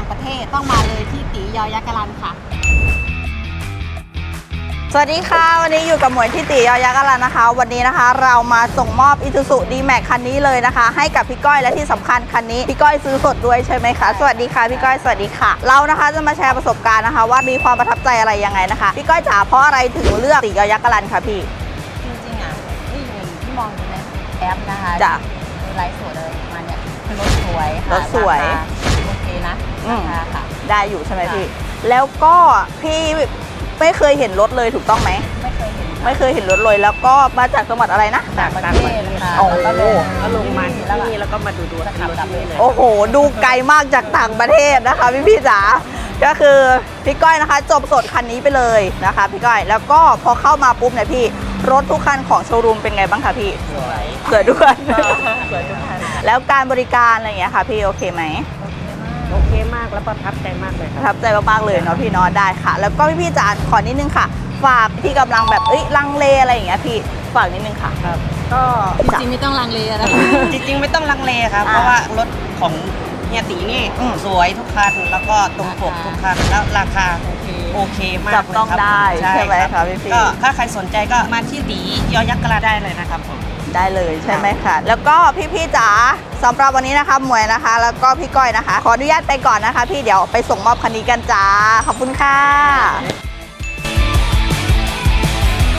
ประเทศต้องมาเลยที่ตียอยักษ์กะลันค่ะสวัสดีค่ะวันนี้อยู่กับหมวยที่ตียอยักษ์กะลันนะคะ วันนี้นะคะเรามาส่งมอบ Isuzu D-Max คันนี้เลยนะคะให้กับพี่ก้อยและที่สำคัญคันนี้พี่ก้อยซื้อสดด้วยใช่ไหมคะสวัสดีค่ะพี่ก้อยสวัสดีค่ะเรานะคะจะมาแชร์ประสบการณ์นะคะว่ามีความประทับใจอะไรยังไงนะคะพี่ก้อยจ๋าเพราะอะไรถึงเลือกตียอยักษ์กะลันคะพี่จริงๆอ่ะที่มองดูในแอปนะคะจ้ะดูไลฟ์สดเลยมาเนี่ยคือรถสวยค่ะรถสวยโอเคนะราคาค่ะได้อยู่ใช่ไหมพี่แล้วก็พี่ไม่เคยเห็นรถเลยถูกต้องไหมไม่เคยเห็นรถเลยแล้วก็มาจากจังหวัดอะไรนะจากประเทศค่ะแล้วก็ลงมานี่แล้วก็มาดูขับกลับเลยโอ้โหดูไกลมากจากต่างประเทศนะคะพี่จ๋าก็คือพี่ก้อยนะคะจบสดคันนี้ไปเลยนะคะพี่ก้อยแล้วก็พอเข้ามาปุ๊บเนี่ยพี่รถทุกคันของโชว์รูมเป็นไงบ้างคะพี่สวยด้วยสวยทุกคันแล้วการบริการอะไรอย่างเงี้ยค่ะพี่โอเคไหมโอเคมากแล้วประทับใจมากเลยประทับใจมากๆเลยเนาะพี่เนาะได้ค่ะแล้วก็พี่จ๋าขอนิดนึงค่ะฝากที่กำลังแบบลังเลอะไรอย่างเงี้ยพี่ฝากนิดนึงค่ะครับก็จริงๆไม่ต้องลังเลนะจริงๆไม่ต้องลังเลครับเพราะว่ารถของเฮียตีนี่สวยทุกคันแล้วก็ตรงปกทุกคันแล้วราคาโอเคมากจับต้องได้ใช่ไหมคะพี่ก็ถ้าใครสนใจก็มาที่ตียอยักษ์กะลาได้เลยนะครับผมได้เลยใช่ไหมคะแล้วก็พี่จ๋าสำหรับวันนี้นะคะหมวยนะคะแล้วก็พี่ก้อยนะคะขออนุญาตไปก่อนนะคะพี่เดี๋ยวไปส่งมอบคันนี้กันจ้าขอบคุณค่ะ